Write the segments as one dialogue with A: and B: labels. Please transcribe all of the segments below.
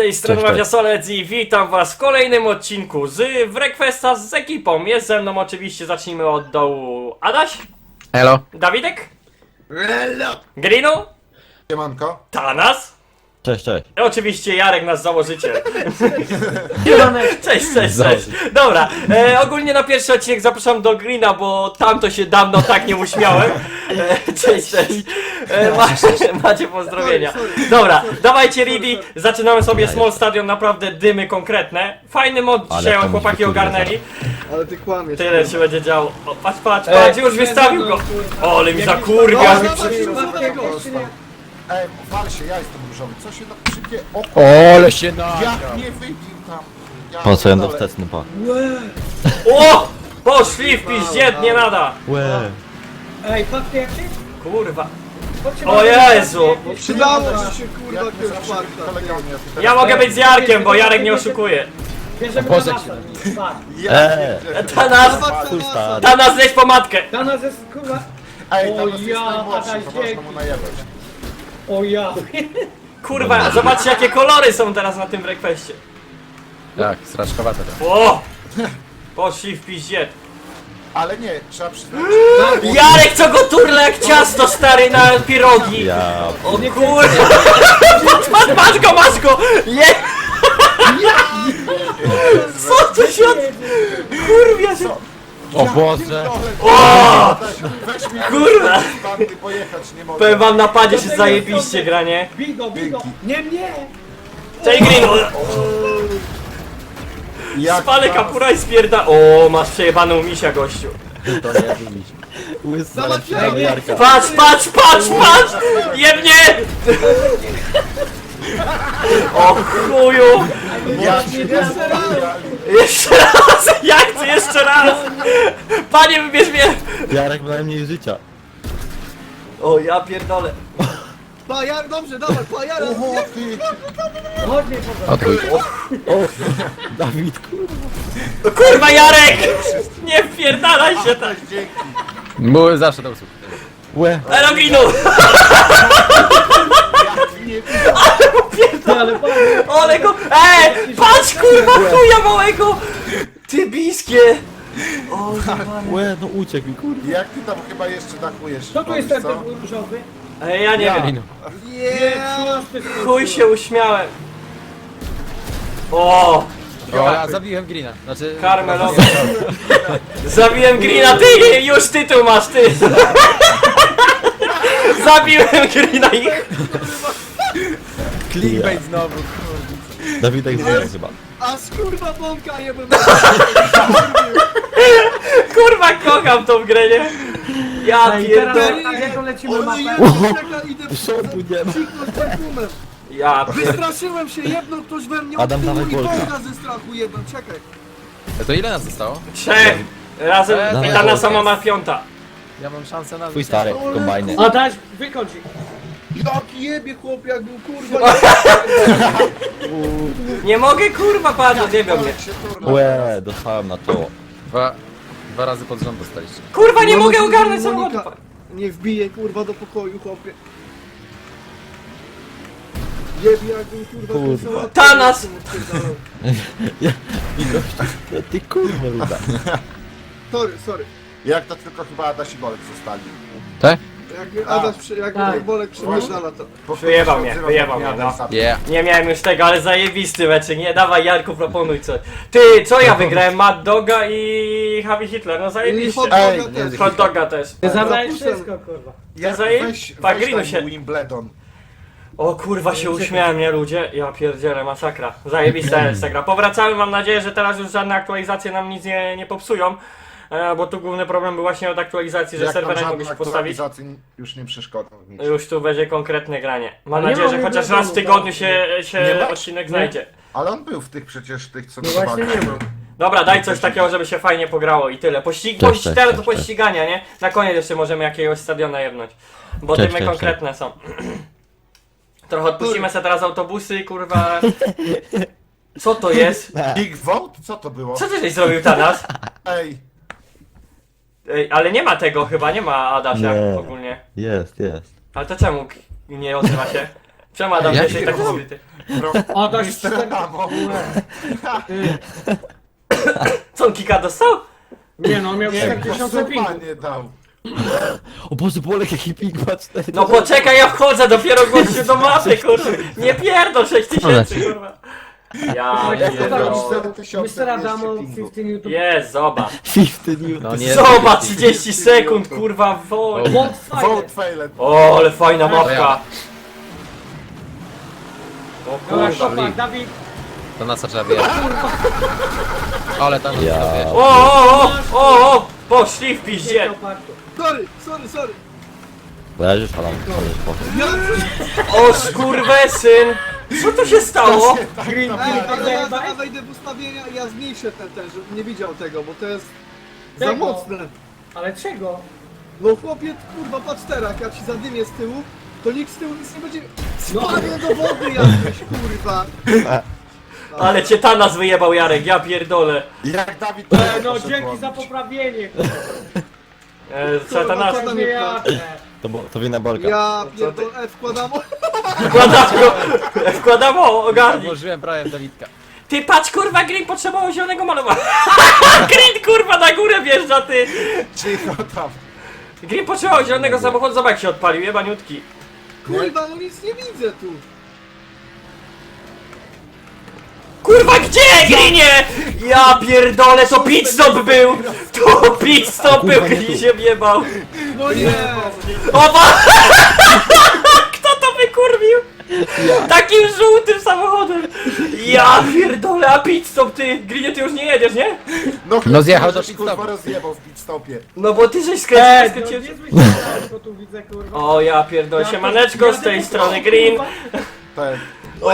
A: tej strony
B: Cześć,
A: Mafia Solec i witam was w kolejnym odcinku z Wrequesta z ekipą. Jest ze mną oczywiście, zacznijmy od dołu, Adaś,
B: Elo.
A: Dawidek,
C: Hello!
A: Grinu,
C: Siemanko.
A: Tanas
B: Cześć, cześć.
A: i oczywiście Jarek, nasz założyciel. Cześć, cześć, cześć. Dobra, ogólnie na pierwszy odcinek zapraszam do Grina, bo tam to się dawno tak nie uśmiałem. Cześć, cześć. Macie pozdrowienia. Dobra, dawajcie ready, zaczynamy sobie Small Stadium, naprawdę dymy konkretne. Fajny mod
B: Ale
A: dzisiaj
B: tam
A: chłopaki
B: się
A: ogarnęli.
D: Ale ty kłamiesz.
A: Tyle się będzie działo. O, patrz, patrz, patrz, już wystawił go. O, ale mi zakurwia.
C: Ej, wal się, ja jestem różowy. Co się tak szybkie? O,
B: Ole się na.
C: jak nie wybił tam.
B: Po co ja
C: pierdolę.
B: wstecny pa?
A: O! Poszli w piździet, nie nada.
B: Łe.
E: Ej, patrzcie jak ty?
A: Kurwa.
E: Chodźcie
A: O
E: na-
A: Jezu.
D: Przydało ci się kurwa
C: Jak my
D: jakiegoś
C: zawsze
D: farta.
C: kolegami, a ty teraz-
A: Ja mogę być z Jarkiem, bo Jarek nie oszukuje.
E: Bierzemy
B: Boże,
E: na masa. Patrz.
C: Ja pierdzielę.
A: Tanas,
B: Full start.
A: Tanas leć po matkę.
E: Dla nas jest kurwa...
C: Ej,
E: O
C: tam jest
E: ja,
C: najmłodszy,
E: Adaś,
C: to można
E: dzięki.
C: mu najebać.
E: O ja.
A: Kurwa, zobaczcie jakie kolory są teraz na tym Wrequestie.
B: Tak, straczkowate to.
A: O! Poszli w piździet.
C: Ale nie, trzeba przyznać.
A: Jarek co go turla jak ciasto stary na pirogi.
B: Ja.
A: O kurwa. Masz go! Je! Co tu się... Kurwa się...
B: O Boże.
A: O!
C: Weź mi
A: Kurwa.
C: z bandy pojechać nie mogę.
A: Powiem wam, na padzie się zajebiście gra, nie?
E: Bigo, bigo. Nie mnie.
A: Cześć Green!
C: Jak
A: Spalę
C: tam-
A: kapura i spierda... O, masz przejebaną misia, gościu.
B: To nie wybić. Łysy. Jarka.
A: Patrz! Jebnie! O chuju!
C: Jak się
A: Jeszcze raz! Ja chcę jeszcze raz! Panie, wybierz mnie!
B: Jarek ma najmniej życia.
A: O, ja pierdolę.
D: Pajar, dobrze, dawaj, pajara.
C: Oho, ty.
E: Chodź mnie po
B: Odchuj. O, Dawid, kurwa.
A: Kurwa, Jarek! Nie wpierdalaj się tak!
C: Dzięki.
B: Były zawsze do usług. Łe.
A: Eroginu!
C: Jak nie
E: ale panie.
A: Ole go! Patrz kurwa, chuja małego! Ty biskie! O,
B: Łe, no uciekł mi, kurwa.
C: Jak ty tam chyba jeszcze dachujesz?
E: Kto tu jest ten
C: co?
E: różowy?
A: ja nie wiem. Chuj się uśmiałem. O!
F: O, ja zabiłem Greena, znaczy...
A: Karmelowy. Zabiłem Greena, ty! Już tytuł masz, ty! Zabiłem Greena i...
F: Clickbait znowu.
B: Dawidek zginął chyba.
D: A kurwa bąka jebem.
A: Kurwa, kocham tą grę, nie? Ja
E: Ej, teraz
A: pierdolę.
E: jaką lecimy
D: Ale
E: mapę?
D: idę
B: Szoku nie ma.
D: psiknąć perfumem.
A: Ja pierdolę.
D: Wystraszyłem się, jebnął ktoś we mnie
B: Adam,
D: od tyłu
B: dawaj
D: i
B: bolka.
D: bąka ze strachu jebem, czekaj.
F: To ile nas zostało?
A: Trzech! Razem
B: Dawaj,
A: i ta
B: Bolka.
A: sama ma piąta.
F: Ja mam szansę na...
B: Twój stary, kombajny.
E: Adaś, wykończ ich.
D: Jaki jebie chłop, jak był kurwa.
A: Nie mogę kurwa padać, nie wiem mnie.
C: Jak się turla.
B: Łe, dostałem na czoło.
F: Dwa razy pod rząd dostaliście.
A: Kurwa, nie
D: No,
A: mogę
D: no,
A: ogarnąć
D: Monika,
A: samochodu.
D: Nie wbije kurwa do pokoju, chłopie. Jebie jak był kurwa. ten
B: Kurwa.
D: sałatkę
A: Tanas!
D: odpierdalał.
B: I gościu, ty kurwa luda.
D: Sorry.
C: Jak to tylko chyba Adaś i Bolek zostali.
F: Tak?
D: Jak Adaś, jak
E: Tak.
D: Bolek przemyślała to.
A: Wyjebał mnie, no.
F: Yeah.
A: Nie miałem już tego, ale zajebisty meczek, nie? Dawaj Jarku, proponuj coś. Ty, co ja wygrałem? Mad Doga i Javi Hitler, no
D: I
A: zajebiście.
D: hot
C: Ej,
D: doga też.
A: Hot Doga też.
E: Ty zabrałeś
D: Zapustem.
E: wszystko, kurwa.
A: Ja zaje...
C: Weź
A: Pagrinu
C: tam
A: się...
C: Wimbledon.
A: O kurwa się uśmiałem, nie ludzie? Ja pierdzielę, masakra. Zajebista jest ta gra. Powracamy, mam nadzieję, że teraz już żadne aktualizacje nam nic nie popsują. Bo tu główny problem był właśnie od aktualizacji, że
C: Jak tam
A: serwer nie mogę
C: żadne
A: się postawić.
C: aktualizacje już nie przeszkodzą w nic.
A: Już tu będzie konkretne granie. Mam
E: Ale nie
A: nadzieję, że
E: ma
A: chociaż
E: problemu,
A: raz w tygodniu
E: tak.
A: się
C: Nie ma?
A: odcinek znajdzie.
C: Ale on był w tych przecież, tych co
E: No właśnie
C: dodawali.
E: nie ma.
A: Dobra, daj coś takiego, żeby się fajnie pograło i tyle.
B: Cześć,
A: Teraz
B: cześć,
A: do
B: cześć.
A: pościgania, nie? Na koniec jeszcze możemy jakiegoś stadiona jebnąć. Bo
B: Cześć,
A: tymy
B: cześć,
A: konkretne są. Trochę odpuścimy sobie teraz autobusy, kurwa. Co to jest?
C: Big Vote? Co to było?
A: Co ty żeś zrobił teraz?
C: Ej,
A: Ej, ale nie ma tego chyba, nie ma Adasia
B: Nie.
A: ogólnie.
B: Jest.
A: Ale to czemu nie odzywa się? Przemadam,
F: Ja
A: jesteś taki
F: pierdolę.
A: zbyty.
E: Adaś
C: Mister
E: cztery...
C: Adamo.
A: Co on kika dostał?
E: Nie no, miał
C: Nie,
E: 4000 pingu.
C: nie dał.
B: O Boże, Bolek jaki ping ma 4.
A: No poczekaj, ja wchodzę dopiero gościu do mapy, kurwa. Nie pierdol 6000, kurwa. Ja pierdolę.
C: 4200
E: Mr. Adamo,
C: pingu.
E: 15 YouTube.
A: Jest, zobacz.
B: 50 Newton.
F: No nie.
A: Zobacz, 30 sekund, kurwa, wolno.
E: Bot fajny.
C: Vote failed.
A: O, ale fajna
F: To
A: mapka.
F: ja.
A: O
E: Dobra,
A: kurwa.
E: Chopin, Dawid.
F: To nas trzeba wyjechać. Ale tam nas
B: Ja.
F: trzeba wyjechać.
A: O, poszli w piździe.
D: Sorry.
B: Leżysz, Alan, leżysz, poszedł.
D: Ja...
A: O skurwesyn. Co tu się stało?
E: Green,
D: Ej, ale ja
E: green,
D: wejdę w ustawienia i ja zmniejszę ten, żebym nie widział tego, bo to jest za
E: Czego?
D: mocne.
E: Ale czego?
D: No chłopie, kurwa, patrz teraz, jak ja ci zadymię z tyłu, to nikt z tyłu nic nie będzie...
E: No.
D: Spadnie do wody jakieś, kurwa.
A: Ale cię Tanas wyjebał, Jarek, ja pierdolę.
C: Jak Dawid
E: No
C: poszedł
E: dzięki
C: łowić.
E: za poprawienie.
A: Co Tanas?
D: Co tam
E: Nie
D: jest?
E: jadę.
B: To wina Bolka.
D: Ja pierdolę, wkładam...
A: Wkładam ogarnij.
F: Włożyłem prawie Dawidka.
A: Ty patrz, kurwa, Green potrzebował zielonego malowania. Green, kurwa, na górę wjeżdża, ty.
C: Cicho tam.
A: Green potrzebował zielonego samochodu, zobacz jak się odpalił, jebaniutki.
D: Kurwa, no nic nie widzę tu.
A: Kurwa, gdzie, Greenie? Ja pierdolę, to pit stop był. To pit stop był, Green się wjebał.
D: No nie!
A: Oba! Kto to wykurwił? Takim żółtym samochodem. Ja pierdolę, a pit stop, ty. Greenie, ty już nie jedziesz, nie?
F: No zjechał do
C: żeś,
F: pit
C: kurwa
F: stopu.
C: rozjebał w pit stopie.
A: No bo ty żeś
E: No
A: skręcił.
E: nie zmyślałem, bo tu widzę kurwa.
A: O, ja pierdolę, siemaneczko, z tej strony Green.
C: Ten.
A: O,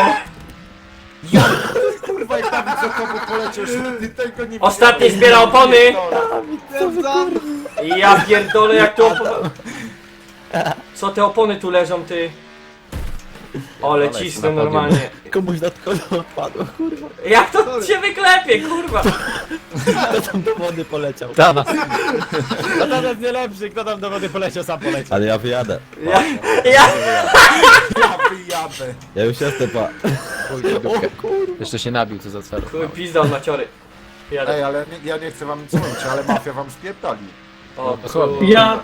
C: Kurwa, jak Dawid za tobą poleciał, że ty tego nie
A: Ostatni
C: widziałeś.
A: zbiera opony.
D: Stwierdzam,
A: Ja pierdolę, jak to opony. Co te opony tu leżą, ty? Ale cisnę
F: na podium.
A: normalnie.
B: Komuś nad kolą odpadło, kurwa.
A: Jak to się wyklepie, kurwa?
B: Kto tam do wody poleciał?
F: Tanas.
G: No to jest nie lepszy, kto tam do wody poleciał, sam poleciał.
B: Ale ja wyjadę.
A: Ja
C: Ja wyjadę.
B: Ja już jestem, pa.
F: Chuj, w dupkę. Jeszcze się nabił, co za cel.
A: chuj, pizda od maciory.
C: Ej,
A: Jadę.
C: ale ja nie chcę wam nic mówić, ale mafia wam spierdoli.
A: O,
F: dosłownie.
A: kurwa.
E: Ja...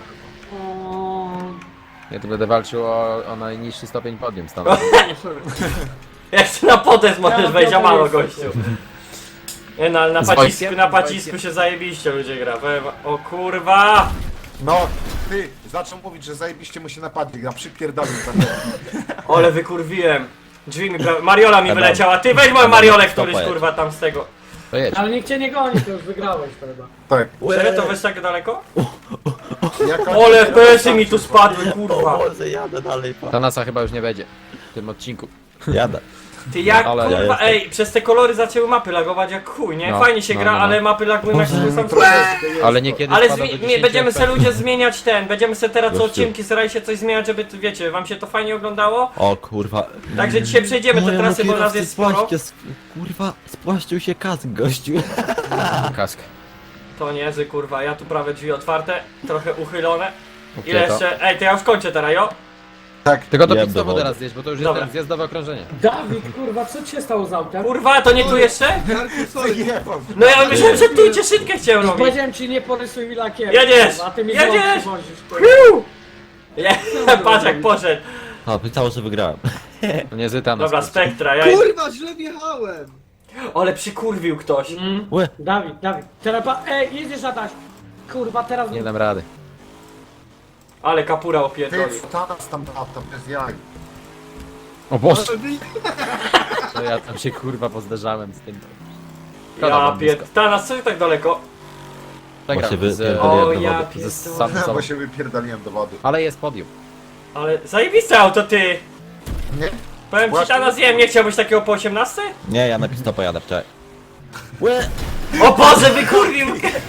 F: Ja tu będę walczył o najniższy stopień podium stanowi.
A: Jeszcze na potest możesz
E: Ja
A: wejść, a
E: pierdolę,
A: mało gościu. Nie, na
F: Z
A: pacisku,
F: wojskiem?
A: na
F: Z
A: pacisku
F: wojskiem?
A: się zajebiście ludzie gra. O kurwa!
C: No, ty, zaczął mówić, że zajebiście mu się napadli, gra przypierdolił tam.
A: Ole wykurwiłem. Drzwi mi Mariola mi
B: Adam.
A: wyleciała. Ty weź moją Mariolę,
B: Stopa
A: któryś
B: jest.
A: kurwa tam z tego.
F: To jedź.
E: Ale nikt cię nie goni, to już wygrałeś chyba.
C: Tak.
A: Serio to wiesz tak daleko?
C: Jak
A: Ole FPS-y mi tu spadły, kurwa.
B: O Boże, jadę dalej, pa.
F: Tanasa chyba już nie będzie w tym odcinku.
B: Jadę.
A: Ty jak
F: Ale-
A: kurwa,
B: Ja jestem.
A: ej, przez te kolory zaczęły mapy lagować jak chuj, nie?
F: No,
A: Fajnie się
F: no,
A: gra,
F: no, no.
A: ale mapy lagują jak
B: Boże.
A: sam sobie.
F: Ale niekiedy
A: Ale
F: spada do 10
A: będziemy se
F: FPS.
A: ludzie zmieniać będziemy se teraz co
B: Gościu.
A: odcinki starali się coś zmieniać, żeby wiecie, wam się to fajnie oglądało.
B: O kurwa.
A: Także dzisiaj przejdziemy te
B: Mojemu
A: trasy, bo nas
B: kierowcy
A: jest sporo.
B: Kurwa, spłaszczył się kask, gościu.
F: Kask.
A: To niezły kurwa, ja tu prawie drzwi otwarte, trochę uchylone.
F: Okej,
A: Ile
F: to.
A: jeszcze? Ej, to ja już kończę teraz, jo?
F: Tylko do
B: Jeb
F: pit
B: do
F: stopu
B: wody.
F: teraz zjeść, bo to już jest
A: Dobra.
F: ten zjazdowe okrążenie.
E: Dawid, kurwa, co ci się stało z autem?
A: Kurwa, to nie tu jeszcze?
D: Jarku, sorry.
C: Wyjebał.
A: No ja myślałem, że tu cieszynkę chciałem robić.
E: Powiedziałem ci, nie porysuj mi lakierem.
A: Jedziesz!
E: kurwa, a ty mi
A: Jedziesz!
E: znowu przywozisz, kurwa.
A: Nie, patrz jak poszedł.
B: A, pytało, że wygrałem.
F: To niezły Tanas.
A: Dobra,
F: kurczę.
A: Spektra, ja...
D: Kurwa, źle wjechałem.
A: Ale przykurwił ktoś.
B: Łe.
E: Dawid. Teraz ej, jedziesz Adaś. Kurwa, teraz...
F: Nie dam rady.
A: Ale kapura
C: Ty,
A: opierdolił.
C: Tanas tam lata, bez jaj.
F: O Boże, to ja tam się kurwa pozderzałem z tym. Szkoda
A: Ja
F: wam blisko.
A: Tanas, co ty tak daleko?
F: Przegrał
B: Bo się
F: z,
B: wypierdoliłem
A: O
B: do
A: ja
B: wody.
F: z
A: pierdolę.
F: Samsung.
C: Bo się wypierdoliłem do wody.
F: Ale jest podium.
A: Ale zajebiste auto, ty!
C: Nie?
A: Powiem ci,
C: Właśnie.
A: Tanas, nie wiem, nie chciałbyś takiego po 18?
B: Nie, ja na pit stopa jadę, wczoraj. Łe.
A: O Boże, wykurwił!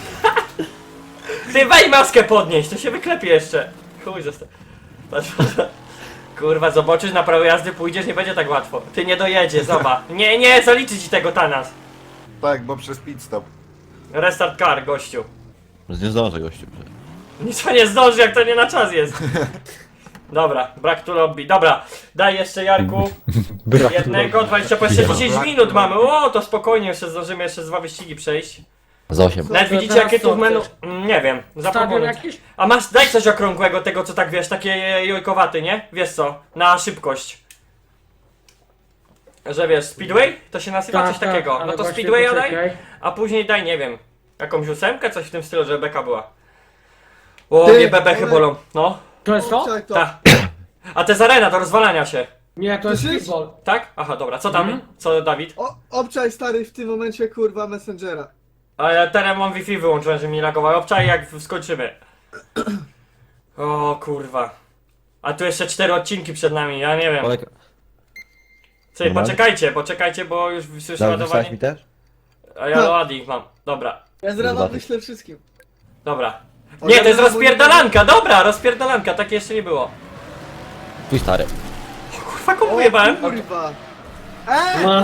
A: Ty weź maskę podnieść, to się wyklepie jeszcze. Chuj, zostaw. Patrz, patrz. Kurwa, zobaczysz, na prawo jazdy pójdziesz, nie będzie tak łatwo. Ty nie dojedzie, zobacz. Nie, zaliczy ci tego Tanas.
C: Tak, bo przez pit stop.
A: Restart car, gościu.
B: Nie zdążę, gościu.
A: Nic nie zdąży, jak to nie na czas jest. Dobra, brak tu lobby. Dobra, daj jeszcze Jarku
B: Brak
A: jednego, 20 po jeszcze 10 minut mamy. O, to spokojnie, jeszcze zdążymy jeszcze z 2 wyścigi przejść.
B: Z 8.
A: Nawet
E: Dobrze,
A: widzicie
E: teraz
A: jakie tu
E: co
A: w menu...
E: chcesz?
A: Nie wiem,
E: Stadion
A: zaproponuj.
E: jakiś?
A: A masz, daj coś okrągłego, tego co tak wiesz, takie jojkowaty, nie? Wiesz co, na szybkość. Że wiesz, Speedway? To się nazywa coś takiego.
E: Tak, ale
A: No to
E: właśnie
A: Speedwaya daj,
E: poczekaj.
A: a później daj, nie wiem, jakąś 8, coś w tym stylu, żeby beka była. O,
D: Ty,
A: mnie bebechy
D: ale-
A: bolą, no.
E: To jest to?
D: Obczaj to.
A: Ta. A to jest arena do rozwalania się,
E: Nie, to jest
D: Słyszysz?
E: futbol.
A: tak? Aha, dobra, co tam? Co Dawid?
D: Obczaj stary w tym momencie kurwa Messengera.
A: A ja teraz mam Wi-Fi wyłączyłem, że mi lagowało. Obczaj jak skończymy. O kurwa. A tu jeszcze 4 odcinki przed nami, ja nie wiem.
B: Olek,
A: Słuchaj,
B: Normalnie?
A: poczekajcie, bo już słyszę
B: dałeś wysłać mi
A: ładowanie.
B: też?
A: A ja ładnik mam. Dobra,
D: Ja z rana
B: Zobaczysz.
D: wyślę wszystkim.
A: dobra. Nie, to jest rozpierdalanka, dobra, rozpierdalanka, takie jeszcze nie było.
B: Twój stary.
A: Kurwa, komu jebałem?
D: Kurwa.
E: No.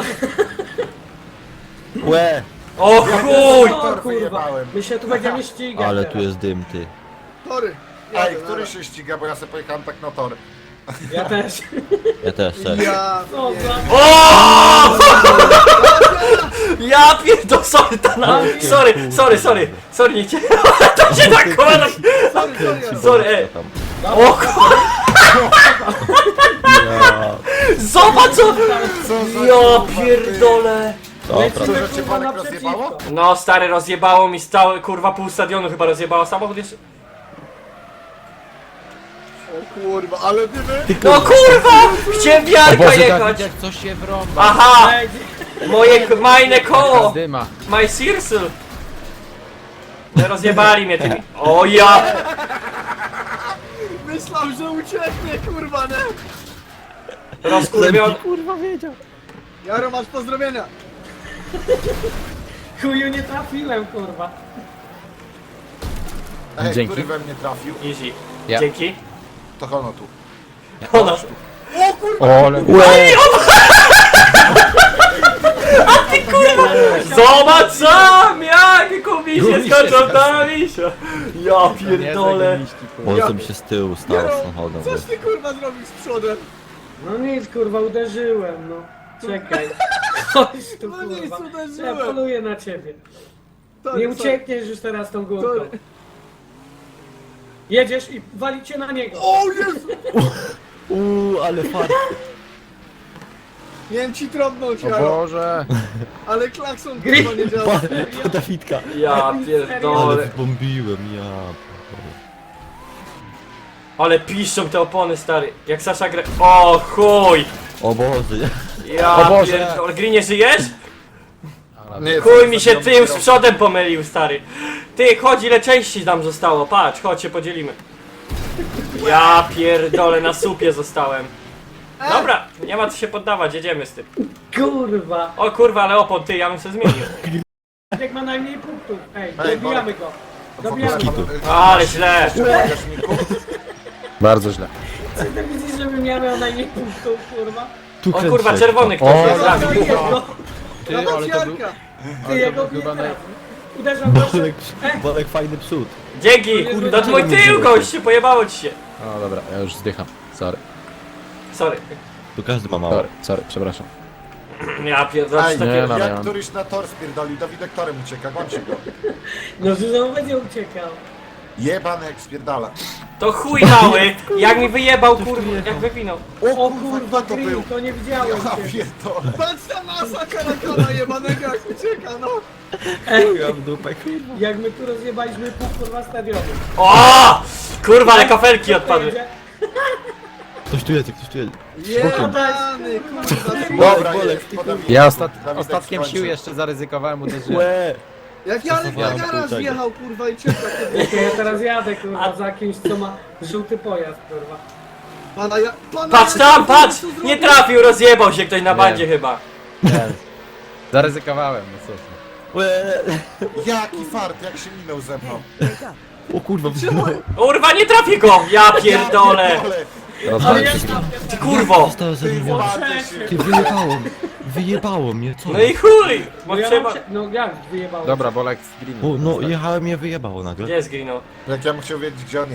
B: Łe!
A: O chuj!
E: O kurwa.
C: wyjebałem.
E: My się tu będziemy ścigać
B: Ale
E: teraz.
B: tu jest dym, ty.
D: Tory.
C: Ej, który się ściga, bo ja sobie pojechałem tak na tor.
E: Ja też.
B: Ja też, serio.
D: Ja...
E: Co
D: nie.
E: za...
A: O! Ja pierdolę, sorry, nie cię. To się tak kłada. Sorry, O kurwa! Zobacz co! Ja pierdolę!
B: Dobra.
C: Że cię
E: Kurwa,
C: Bolek rozjebało?
E: naprzeciwko.
A: No stary, rozjebało mi stały, kurwa pół stadionu chyba rozjebało samochód jeszcze.
D: O kurwa, ale dymy.
A: No kurwa! Chciałem wiarka jechać!
F: Dawid, jak coś się wrąba.
A: Aha!
E: Ej,
A: Moje majne koło!
F: Dyma.
A: My circle! No rozjebali mnie tymi. O ja!
D: Myślał, że ucieknie kurwa, nie?
A: Rozkurwion.
B: Kurwa wiedział.
D: Jaro, masz pozdrowienia.
E: chuju nie trafiłem, kurwa.
C: Ej,
F: Dzięki.
C: który we mnie trafił?
A: Easy.
F: Ja.
A: Dzięki.
C: To Hono tu.
A: Ona.
F: O, ale...
A: Zobacz sam! Jak kubisie skoczą na misia! Ja pierdolę.
B: Może sobie się z tyłu stał z samochodem.
D: Coś ty kurwa zrobił z przodem?
E: No nic, kurwa, uderzyłem, no. Czekaj. Chodź tu,
D: No nic,
E: kurwa.
D: uderzyłem.
E: Ja poluję na ciebie.
D: Tory,
E: Nie
D: sorry.
E: uciekniesz już teraz tą górką.
D: Tory.
E: Jedziesz i walicie na niego.
D: O Jezu!
B: Ale fart.
D: Miałem ci trąbnąć,
F: O
D: Jaro,
F: Boże.
D: ale klakson kurwa nie działa.
B: To Dawidka.
A: Ja pierdolę.
B: Ale zbombiłem, ja.
A: Ale piszczą te opony, stary. Jak Sasza gra... O chuj!
B: O Boże.
A: Ja
F: O Boże.
A: pierdolę. Grinie, żyjesz?
C: Nie,
A: Chuj mi się tył z przodem pomylił, stary. Ty, chodź, ile części nam zostało. Patrz, chodź się podzielimy. Ja pierdolę, na supie zostałem. Dobra, nie ma co się poddawać, jedziemy z tym.
E: Kurwa.
A: O kurwa, ale opon, ty, ja bym się zmienił.
E: Jak ma najmniej punktów. Ej,
C: Ej,
E: dobijamy go. Dobijamy go.
A: Ale źle.
F: Bardzo źle.
E: Co ty widzisz, żebym ja miał najmniej punktów, kurwa?
B: Tu
A: O kurwa, czerwony ktoś
F: O,
A: jest z nami.
E: Jego.
F: Ty,
D: Dawaj
F: ale to był...
D: Jarka.
E: Ty jego
F: był chyba
E: nie
F: naj...
E: trafił. Uderzam proszę.
B: Bolek fajny przód.
A: Dzięki, to twój tył, goście, pojebało ci się.
F: O, dobra, ja już zdycham. Sorry,
A: Sorry.
B: Tu każdy ma mało.
F: sorry, przepraszam.
A: Ja pierdolę,
C: Ej,
A: takie...
F: Nie, no.
C: jak któryś na tor spierdolił, Dawidek torem ucieka, gońcie go.
E: No, że znowu będzie uciekał.
C: Jebany jak spierdala.
A: To chuj mały, jak mi wyjebał, kurwa, jak wywinął.
E: O
C: kurwa,
E: kurwa,
C: kto to
E: Green,
C: był?
E: to nie widziałem
C: Ja
E: cię.
C: pierdolę.
D: Patrz ta masa karakana jebanego jak ucieka, no.
E: Ej,
B: Ja w dupę, kurwa.
E: jak my tu rozjebaliśmy pół kurwa stadionu.
A: O! Kurwa, ale kafelki
E: To
A: odpadły.
E: jedzie.
B: Ktoś tu jest, ktoś tu jest.
D: Jebany, kurwa.
C: Dobra,
B: Bolek,
C: jest,
B: ty
C: po Dawidku.
F: Ja
C: Dawidek
F: ostatkiem
C: skończył.
F: sił jeszcze zaryzykowałem, uderzyłem.
B: Łe!
D: Jak Jarek na
B: Stosowałem
D: garaż
B: pół tego.
D: wjechał, kurwa, i czeka.
E: Ja teraz jadę, kurwa, za kimś, co ma żółty pojazd, kurwa.
D: Pana
A: Patrz tam, patrz! Nie trafił, rozjebał się ktoś na bandzie chyba.
F: Zaryzykowałem, no cóż.
B: Łe!
C: Jaki fart, jak się minął ze mną.
B: O kurwa,
A: Kurwa, nie trafi go! Ja pierdolę!
E: Ale
F: Rozwalił
E: ja
F: się.
A: Ty kurwo!
B: Zostałem
C: Ty
B: zabiłem.
C: zwarty się.
B: Ty wyjebało mnie. Wyjebało mnie, co?
A: No i chuj! Bo
E: No ja
A: trzeba...
E: mam się, no jak wyjebało?
F: Dobra, Bolek z Green.
B: O, no jechałem, mnie wyjebało nagle.
A: Gdzie jest Grino?
C: Jak ja bym chciał wiedzieć, gdzie on jest.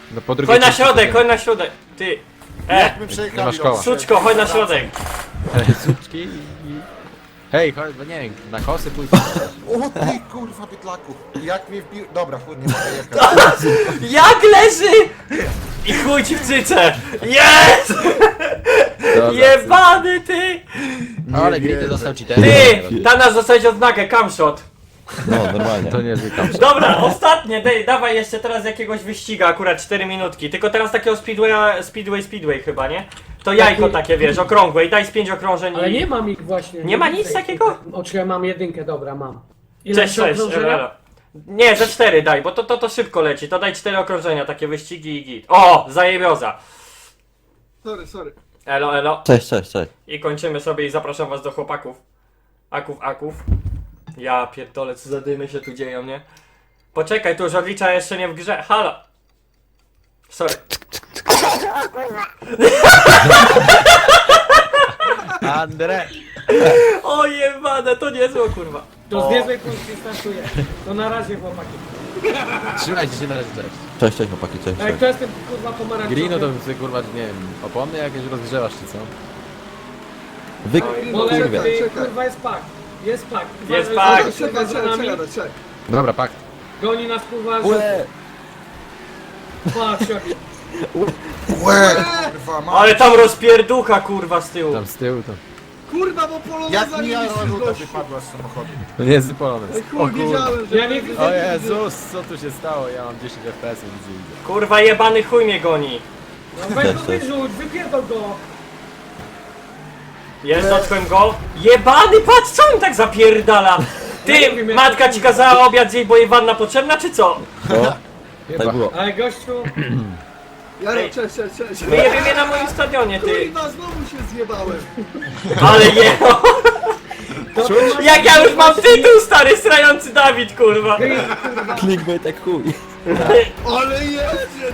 F: No po drugiej
A: Chodź na
F: części
A: środek,
F: tego.
A: chodź na środek. Ty.
C: Jak my
F: nie
C: przejechali
F: masz koła.
A: Suczko, chodź na środek.
F: Suczki i... Hej, chodź, bo nie wiem, na kosy pójdź.
C: O ty kurwa bydlaku. Jak mnie wbił... Dobra, chuj, nie mogę jechać.
A: Jak leży! I chuj ci w cyce! Jest!
F: Dobra,
A: Jebany ty!
F: ale gry ty dostał cheaterem.
A: Ty! Tanasz dostałeś odznakę, camshot.
B: No, normalnie.
F: To niezły tam.
A: Dobra, ostatnie, dawaj jeszcze teraz jakiegoś wyściga, akurat 4 minutki. Tylko teraz takiego speedway chyba, nie? To jajko takie, wiesz, okrągłe i daj z 5 okrążeń
E: Ale
A: i...
E: nie mam ich właśnie.
A: Nie ma nic takiego?
E: Oczywiście mam jedynkę, dobra, mam. Ile
A: Cześć,
E: się
A: cześć,
E: okrążenia?
A: elo. Nie, ze 4 daj, bo to szybko leci. To daj 4 okrążenia, takie wyścigi i git. O, zajebioza.
D: Sorry.
A: Elo, elo.
B: Cześć.
A: I kończymy sobie i zapraszam was do chłopaków. Aków. Ja pierdolę, co za dymy się tu dzieją, nie? Poczekaj, tu żarlicza jeszcze nie w grze. Halo. Sorry.
F: Andre!
A: O jebane, to niezło kurwa.
E: To z niezłej pozycji startuje. To na razie, chłopaki.
F: Trzymajcie się na razie, cześć.
B: Cześć, chłopaki, cześć.
E: Ej, kto jest ten kurwa pomarańczowy?
F: Grino to ty kurwa, nie wiem, opony jakieś rozgrzewasz czy co?
B: Wy...
E: Bolek,
B: kurwa.
E: ty,
D: Czekaj.
E: kurwa jest pak. Jest pak.
A: Jest
E: Uważaj,
A: pak.
E: że kurwa za nami.
D: Czekaj.
F: Dobra, pakt.
E: Goni nas kurwa, że...
B: Łe!
E: Patrz jaki.
C: Łe, kurwa, ma.
A: Ale tam rozpierducha kurwa z tyłu.
F: Tam z tyłu to.
D: Kurwa, bo poloneza
C: Jak
D: nie
C: mi
D: widzisz,
C: ruda
D: gościu.
C: wypadła z samochodu.
F: To nie jest polonez.
D: Ej, chuj, wiedziałem, że...
E: Ja nie widzę.
F: O Jezus, co tu się stało? Ja mam 10 FPS, widzę.
A: Kurwa jebany chuj mnie goni.
E: No weź go
B: Cześć.
E: wyrzuć, wypierdol go.
A: Jest, dotknąłem go. Jebany, patrz co on tak zapierdala.
E: Ja nie
A: Ty,
E: wiem, jak
A: matka
E: to
A: ci
E: kurwa.
A: kazała obiad zjeść, bo jej wanna potrzebna, czy co?
B: O,
F: Chyba.
B: tak było.
E: Ale gościu,
D: Jaro,
A: Ej.
D: cześć.
A: My jebiemy na moim stadionie, ty.
D: Kurwa, znowu się zjebałem.
A: Ale je...
E: to
A: Jak ja już mam tytuł, stary, srający Dawid, kurwa.
B: Clickbait jak chuj.
D: Ale jedzie!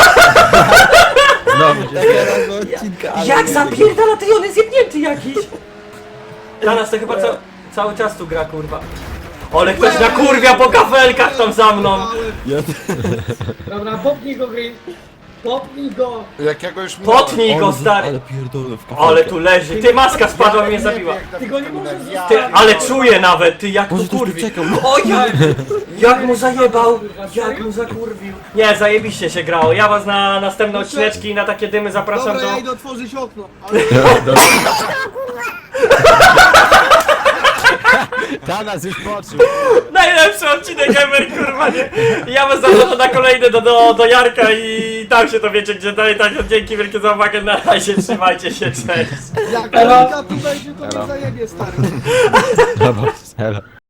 F: Znowu się
B: Teraz odcinka, ale...
A: Jak zapierdala, ty, on jest jebnięty jakiś. Dla nas to chyba cały czas tu gra, kurwa. Ale ktoś na kurwia po kafelkach tam za mną.
B: Ja...
E: Dobra, popnij go, Green. Popnij go.
C: Jak ja go już minąłem.
A: Potnij go, stary.
B: Ale pierdolę w kafelkę.
A: Ale tu leży. Ty, maska spadła, mnie zabiła.
E: Ty go nie możesz zostawić.
A: Ty, ale czuję nawet, ty, jak
B: Boże,
A: to
B: ktoś tu
A: kurwi.
B: czekał.
A: O, jak mu zajebał. Jak mu zakurwił. Nie, zajebiście się grało. Ja was na następne odcineczki i na takie dymy zapraszam
D: Dobra,
A: do...
D: ja idę otworzyć okno. Ale...
F: Tanas już poczuł.
A: Najlepszy odcinek ever, kurwa, nie? Ja was zapraszam na kolejny do Jarka i tam się to wiecie gdzie dalej. Tak, dzięki wielkie za uwagę, na razie, trzymajcie się, cześć.
D: Jak Elka tu będzie, to mnie zajebie, stary.
F: Dobra, hello.